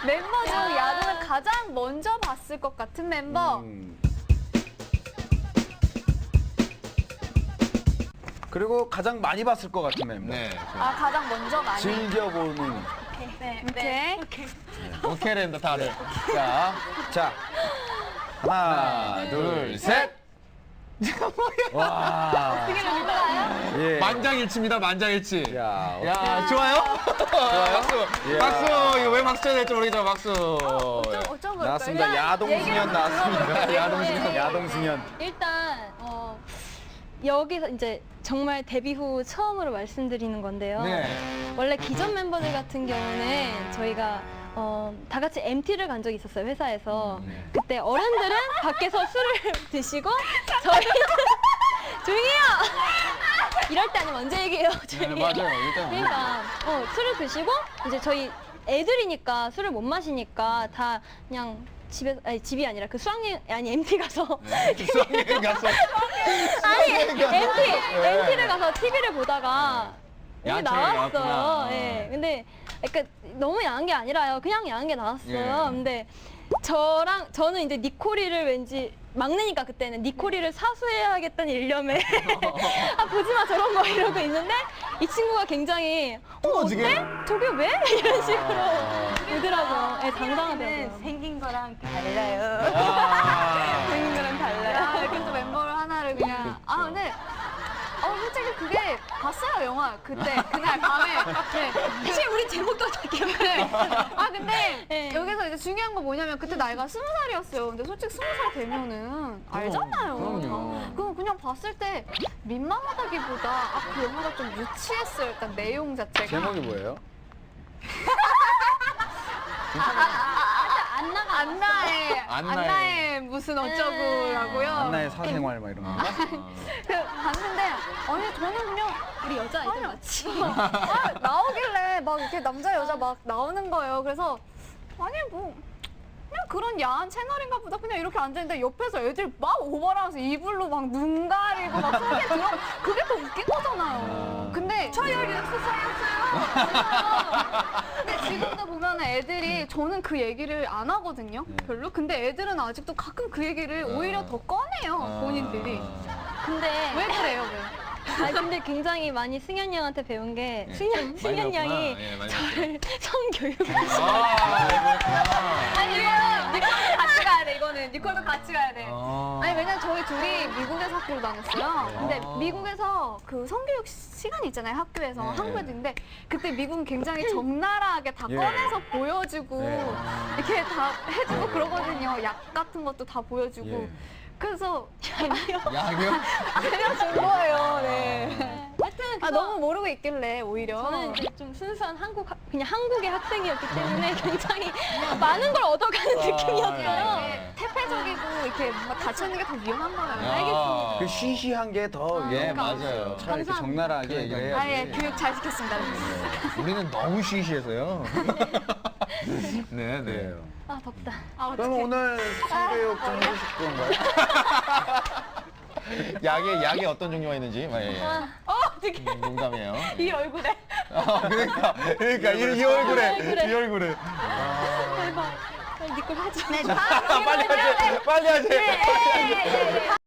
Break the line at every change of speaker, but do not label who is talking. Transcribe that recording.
멤버 중 야동을 가장 먼저 봤을 것 같은 멤버.
그리고 가장 많이 봤을 것 같은 멤버.
네.
아, 가장 먼저 많이.
즐겨보는.
네.
오케이랜다 다들. 자,
자, 하나, 둘, 셋. 와. 예.
만장일치입니다. 만장일치.
야,
야, 좋아요? 박수.
예.
박수. 이거 왜 박수 쳐야 될지 모르겠지만 박수.
어쩜 그럴까요?
나왔습니다.
일단
야동승연
얘기를
나왔습니다.
들어볼게요.
야동승연,
네.
야동승연.
일단 여기서 이제 정말 데뷔 후 처음으로 말씀드리는 건데요.
네.
원래 기존 멤버들 같은 경우는 저희가 다 같이 MT를 간 적이 있었어요, 회사에서. 그때 어른들은 밖에서 술을 드시고 저희는 조용히 해요! 이럴 때 아니면 언제 얘기해요? 조용히 해요.
맞아요. 일단
그러니까 술을 드시고 이제 저희 애들이니까 술을 못 마시니까 다 그냥 집이 아니라 그 수학여행 아니 MT 가서
수학여행 가서
아니 MT를 가서 TV를 보다가 여기
야채
나왔어요.
나왔구나.
예. 근데 그러니까 너무 야한 게 아니라요. 그냥 야한 게 나왔어요.
예.
근데 저는 이제 니코리를 왠지 막내니까 그때는 니코리를 사수해야겠다는 일념에 아 보지 마 저런 거 이러고 있는데 이 친구가 굉장히
어떻게?
저게 왜? 이런 식으로 이더라고요. 예, 당당하더라고요.
생긴 거랑 달라요.
아.
생긴 거랑 달라요.
아, 이렇게 또 멤버를 하나를 그냥. 아, 근데. 솔직히 그게 봤어요, 영화. 그때, 그날 밤에. 네.
사실 우리 제목도 다 기억나요.
아, 근데
네.
여기서 이제 중요한 건 뭐냐면 그때 나이가 20살이었어요. 근데 솔직히 20살 되면은 알잖아요.
그럼요.
그럼 그냥 봤을 때 민망하다기보다 아, 그 영화가 좀 유치했어요. 일단 내용 자체가.
제목이 뭐예요?
안나의
안나의
무슨 어쩌고라고요.
한나의 사생활 막 이런 거.
그 봤는데 아니 저는 그냥
우리 여자 아이들 맞지?
아, 나오길래 막 이렇게 남자 여자 막 나오는 거예요. 그래서 아니 뭐 그냥 그런 야한 채널인가 보다 그냥 이렇게 앉아있는데 옆에서 애들 막 오버하면서 이불로 막 눈 가리고 막 속에 들어 그게 더 웃긴 거잖아요. 근데 저열이 수사였어요. 근데 지금도 보면 애들이 저는 그 얘기를 안 하거든요. 별로. 근데 애들은 아직도 가끔 그 얘기를 오히려 더 꺼내요. 본인들이.
근데
왜 그래요? 왜?
근데 굉장히 많이 승현 양한테 배운 게
예.
승현 양이
예, 많이
저를 성교육을
아니 이거는 니콜도 같이 가야 돼. 이거는 니콜도 같이 가야 돼. 아니 왜냐면 저희 둘이 미국에서 학교를 다녔어요. 근데 미국에서 그 성교육 시간이 있잖아요. 학교에서
네.
한국에도 있는데 그때 미국은 굉장히 적나라하게 다
예.
꺼내서 보여주고
네.
이렇게 다 해주고 그러거든요. 약 같은 것도 다 보여주고.
예.
그래서
야경?
알려준 거예요. 네.
하여튼
아 너무 모르고 있길래 오히려.
저는 이제 좀 순수한 그냥 한국의 학생이었기 때문에 굉장히 많은 걸 얻어가는 느낌이었어요.
이게 태폐적이고 이렇게 뭔가 다치는 게 더 위험한 거예요.
알겠습니다.
그 시시한 게 더
예,
위험한
맞아요.
거예요. 차라리 이렇게 적나라하게 얘기를 해야지.
아, 예, 교육 잘 시켰습니다.
우리는 너무 시시해서요. 네, 네.
그래요.
아 덥다.
아,
그럼
어떡해.
오늘 성교육 좀 해주실 건가요?
약에 어떤 종류가 있는지. 예, 예.
어떻게
농담이에요.
이 얼굴에.
그러니까 이 얼굴에 이 얼굴에.
대박. 빨리 니걸 하자.
네, 다음
빨리 하지. 빨리 하지.
네, 네, 네.